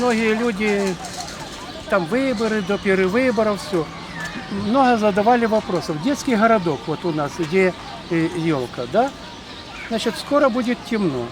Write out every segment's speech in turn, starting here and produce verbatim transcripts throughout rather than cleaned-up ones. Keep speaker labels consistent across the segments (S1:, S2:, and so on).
S1: многие люди, там выборы, до перевыборов, все. Много задавали вопросов. Детский городок вот у нас, где елка, да? Значит, скоро будет темно.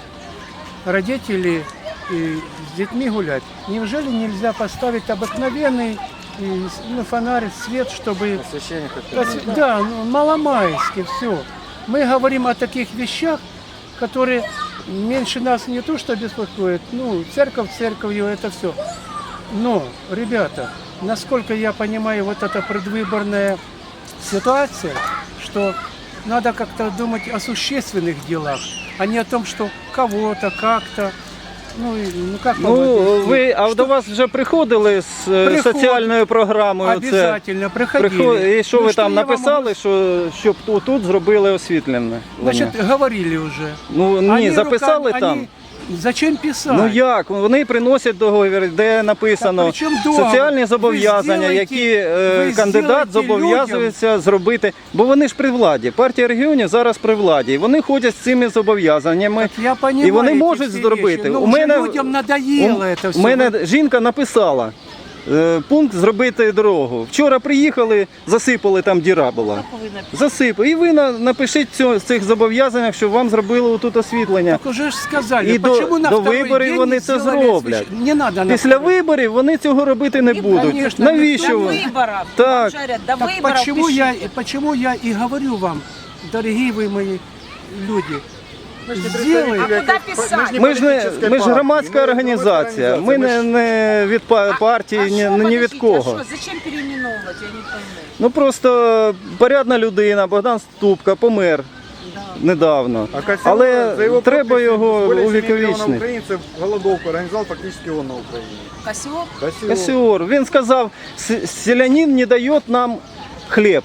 S1: Родители и с детьми гулять. Неужели нельзя поставить обыкновенный ну, фонарь, свет, чтобы...
S2: Освещение
S1: хотя Да, ну, маломайски, все. Мы говорим о таких вещах, которые меньше нас не то что беспокоят, ну, церковь церковью, это все. Но, ребята, насколько я понимаю, вот эта предвыборная ситуация, что надо как-то думать о существенных делах, а не о том, что кого-то, как-то. Ну, ну, как
S3: ну ви, а до вас вже приходили з Приход... соціальною програмою?
S1: Обязательно, приходили.
S3: Приход... І що
S1: ну,
S3: ви
S1: що
S3: там написали,
S1: можу...
S3: що, щоб тут, тут зробили освітлене?
S1: Значить, говорили вже.
S3: Ну, ні,
S1: они
S3: записали
S1: руками,
S3: там?
S1: Они... Зачем писати?
S3: Ну як? Вони приносять договір, де написано соціальні зобов'язання, які е, кандидат зобов'язується людям... зробити. Бо вони ж при владі. Партія регіонів зараз при владі. І вони ходять з цими зобов'язаннями. І вони можуть зробити.
S1: Ну,
S3: у мене,
S1: людям надоело
S3: у,
S1: це все.
S3: У мене жінка написала е, пункт зробити дорогу. Вчора приїхали, засипали, там діра була. Засипали. І ви на, напишіть цього, цих зобов'язаннях, щоб вам зробили тут освітлення.
S1: Так уже ж сказали.
S3: І до,
S1: на
S3: до виборів вони це зроблять.
S1: Не надо
S3: Після виборів вони цього робити не будуть.
S1: Конечно,
S3: навіщо
S4: до
S3: ви?
S4: виборів.
S3: Так.
S4: Жарять, до
S1: так
S4: виборів
S1: почему я,
S4: пишіть.
S1: почему я и говорю вам, дорогие вы мои люди, сделайте.
S4: А куди писати?
S3: Ми ж не ми ж громадська організація. Ми не, не від партії,
S4: а
S3: ні,
S4: що,
S3: ні від
S4: подождіть,
S3: кого.
S4: А що, зачем переименовувати, я не пойму.
S3: Ну просто порядна людина, Богдан Ступка, помер недавно.
S2: А Косяк,
S3: Але
S2: за його
S3: треба
S2: підпис
S3: його
S2: більше
S3: увіковічнити.
S2: мільйона українців голодовку організував фактично он на Україні.
S4: Косьов?
S2: Косяк.
S3: Косіор. Він сказав, селянин не дає нам хліб.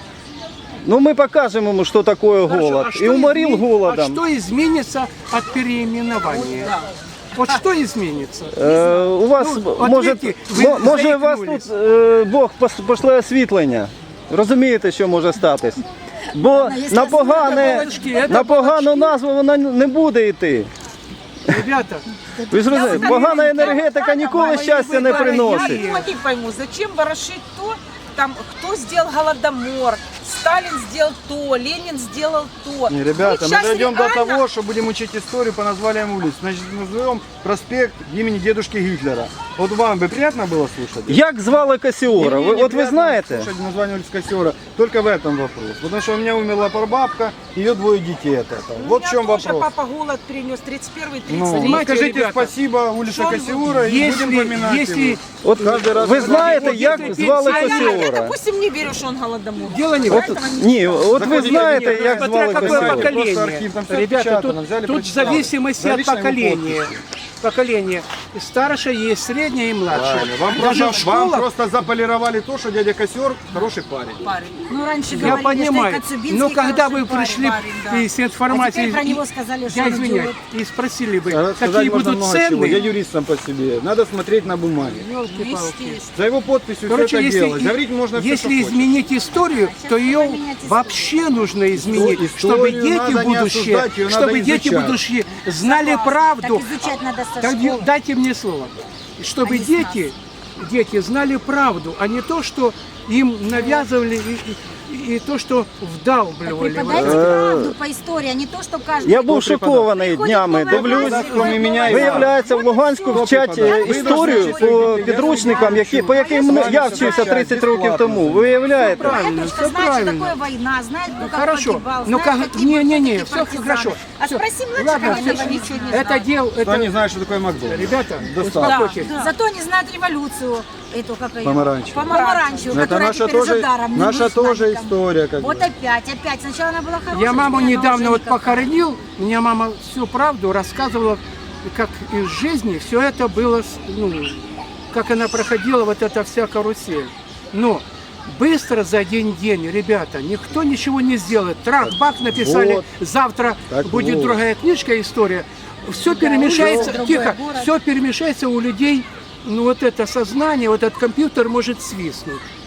S3: Ну мы покажем ему, что такое голод.
S1: А
S3: и уморил
S1: измен...
S3: голодом.
S1: А что изменится от переименования?
S4: Да.
S1: Вот что изменится?
S3: Е, у вас,
S1: Ну,
S3: може,
S1: ответьте, ви
S3: мо- може у вас
S1: заікнулись.
S3: тут е, Бог пос- пошле освітлення. Розумієте, що може статись? Бо на, погане,
S1: балачки, це
S3: на погану
S1: балачки.
S3: назву вона не буде йти.
S1: Ребята,
S3: Ви ж розумієте, погана енергетика ніколи щастя не приносить.
S4: Я не пойму, зачем ворошить то, там, кто сделал Голодомор, Сталин сделал то, Ленин сделал то.
S2: Не, ребята,
S4: Вы
S2: мы
S4: щас
S2: дойдем до
S4: реально-
S2: того, что будем учить историю по названиям улиц. Значит, назовем проспект имени дедушки Гитлера. Вот вам бы приятно было слушать?
S3: Як звали Косіора?
S2: Мне
S3: Ви, от ви
S2: неприятно
S3: знаєте?
S2: слушать название улиц Косера только в этом вопрос. Потому что у меня умерла прабабка, ее двое детей от этого.
S4: У
S2: Вот в
S4: меня
S2: чем
S4: тоже
S2: вопрос.
S4: папа голод принес тридцать первый тридцать
S2: Ну,
S1: Понимаете,
S2: скажите
S1: ребята,
S2: спасибо улице
S4: что он
S2: Косера и будем
S1: если,
S2: поминать
S1: если
S2: его.
S3: От
S2: Каждый раз
S3: ви
S2: говорю,
S3: знаєте,
S1: вот
S3: як
S1: если
S3: звали
S4: А я, я,
S3: Косіора?
S4: допустим, не верю, что он Голодомор.
S1: дело не в
S3: От,
S1: этом.
S3: ні, от ви
S2: Заходите,
S3: знаєте,
S1: Нет,
S3: як
S1: смотря
S3: звали
S1: какое
S3: Косіора.
S1: поколение.
S2: Просто архив, там всё
S1: Ребята,
S2: отпечатано,
S1: тут,
S2: взяли,
S1: тут в
S2: прочитали.
S1: зависимости
S2: За
S1: от
S2: личной его
S1: поколения.
S2: подписью.
S1: Поколение. Старшее есть, среднее и младшее.
S2: Правильно. Вам,
S1: Даже
S2: просто,
S1: в
S2: вам
S1: школах,
S2: просто заполировали то, что дядя Косер хороший парень.
S4: Парень.
S5: Ну, раньше
S1: я
S5: говорили,
S1: понимаю,
S5: что и Коцюбинский
S1: но когда вы
S5: хороший парень.
S1: пришли
S4: парень, да.
S1: и с информацией,
S5: А теперь про него сказали, что
S1: я
S5: он
S1: извиняюсь,
S5: идиот.
S1: и спросили бы,
S2: Рассказать
S1: какие
S2: можно
S1: будут
S2: много чего. Я
S1: цены.
S2: юрист сам по себе. Надо смотреть на бумаге.
S1: Ёлки-палки.
S2: За его подписью
S1: Короче,
S2: все это
S1: если,
S2: делать. Говорить можно все,
S1: если
S2: что хочешь.
S1: изменить историю, то ее
S5: поменять историю.
S1: вообще нужно изменить,
S2: Историю
S1: чтобы дети
S2: надо не
S1: будущее,
S2: осуждать, ее надо
S1: чтобы дети
S2: изучать.
S1: будущее знали
S5: Так
S1: правду.
S5: изучать надо со
S1: Так,
S5: школы.
S1: дайте мне слово. Чтобы
S5: А не с
S1: дети, дети знали правду, а не то, что им навязывали и, и- и то, что
S5: Так
S1: вдалбливали.
S5: преподайте правду по истории, а не то, что каждый...
S3: Я був шокований
S5: Приходить
S3: днями,
S5: новая
S3: дивлюсь.
S5: власть,
S2: кроме меня і
S3: Виявляється, в Луганську вчать е, історію по підручникам, які, по яким я вчився тридцять років тому. Виявляєте?
S1: Правильно,
S5: Моя
S1: всё
S5: дочка знает, что
S1: правильно.
S5: такое война, знает, кто как
S1: Хорошо.
S5: погибал,
S1: Ну
S5: знает,
S1: как,
S5: какие были
S1: не-не-не,
S5: такие
S1: все
S5: партизаны.
S1: хорошо.
S5: А
S1: Всё.
S5: спроси младших,
S1: Ладно,
S5: они
S1: всё.
S5: этого ничего не
S1: Это
S5: знают.
S1: дел,
S2: Кто не
S1: это...
S2: знает, что такое Макдональдс?
S1: Ребята,
S2: Достал.
S1: успокойтесь.
S5: Зато они знают революцию, эту, как ее?
S2: Помаранчевую.
S5: Помаранчевую,
S2: Это
S5: которая
S2: наша
S5: теперь
S2: тоже,
S5: уже даром не
S2: наша
S5: нужна
S2: тоже
S5: никому.
S2: история. Как
S5: Вот
S2: бы.
S5: опять, опять. Сначала она была хорошая.
S1: Я маму
S5: теперь она
S1: недавно
S5: уже
S1: вот
S5: никакая.
S1: похоронил, мне мама всю правду рассказывала, как из жизни все это было, с- ну, как она проходила, вот эта вся карусель. Но быстро за один день, ребята, никто ничего не сделает. Трах-бах написали,
S2: Вот.
S1: завтра
S2: Так
S1: будет
S2: вот.
S1: другая книжка, история. Все перемешается,
S5: другой
S1: тихо,
S5: город.
S1: все перемешается у людей, ну вот это сознание, вот этот компьютер может свистнуть.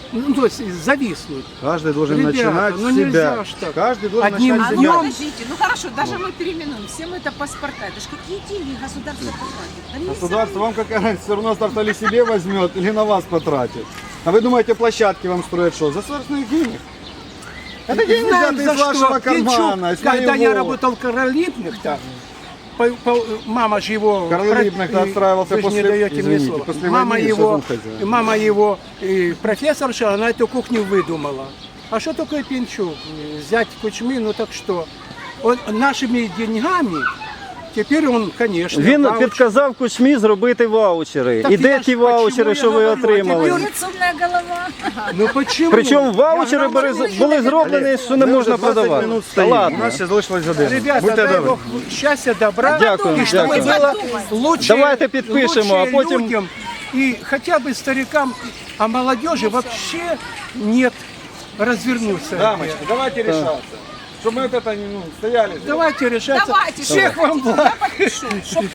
S1: ну, то есть зависнуть.
S2: Каждый должен
S1: Ребята,
S2: начинать
S1: ну
S2: с себя.
S1: нельзя ж так.
S2: Каждый должен
S1: Одним
S2: начинать с
S4: А ну
S2: себя.
S1: днем.
S4: подождите, ну хорошо, даже мы переименуем, всем это паспорта, это ж какие деньги государство потратит? Да мне
S2: Государство вам какая разница, все равно старт или себе возьмет, или на вас потратит. А вы думаете, площадки вам строят что? За собственных денег? Это деньги
S1: Знаем,
S2: взяты
S1: за
S2: из вашего
S1: что. Пинчук,
S2: кармана, из
S1: когда я
S2: моего.
S1: работал в Каролипных-то, по- по- мама же его...
S2: Карл Липных-то
S1: про-
S2: отстраивался
S1: вы же не
S2: после-
S1: даете мне
S2: извините,
S1: слова.
S2: после
S1: Мама
S2: войны
S1: его,
S2: что там хозяин?
S1: мама его э, профессорша, она эту кухню выдумала. А что такое Пинчук? Взять Кучмы, ну так что? Он нашими деньгами, теперь он, конечно...
S3: Він
S1: ваучер-
S3: підказав Кучмі зробити ваучери.
S1: Так
S3: І де
S1: я ж
S3: ті
S1: почему
S3: ваучери,
S1: я
S3: що ви
S1: говорю, а
S3: отримали?
S1: тепер-
S5: Молодец, умная голова.
S1: Ну почему?
S3: Причому
S1: Я
S3: ваучери були,
S1: грамотный
S3: були зроблені, що не
S2: Ми
S3: можна
S2: вже двадцять
S3: продавати.
S2: минут
S3: Та
S2: стоїмо. У
S3: ладно.
S2: нас ще залишилась година.
S1: Ребята,
S2: Будьте
S1: дай
S2: добрі.
S1: Бог счастья, добра.
S3: Дякую,
S1: И чтобы
S3: дякую.
S1: было лучше,
S3: Давайте підпишемо, а
S1: лучше
S3: потім-
S1: людям и хотя бы старикам, а молодежи вообще нет развернуться.
S2: Дамочки, давайте решаться. Чтобы мы вот это ну, стояли.
S1: Давайте решаться.
S4: Давайте,
S1: Всех
S4: что
S1: вам
S4: хотите,
S1: благ.
S4: я подпишу, чтоб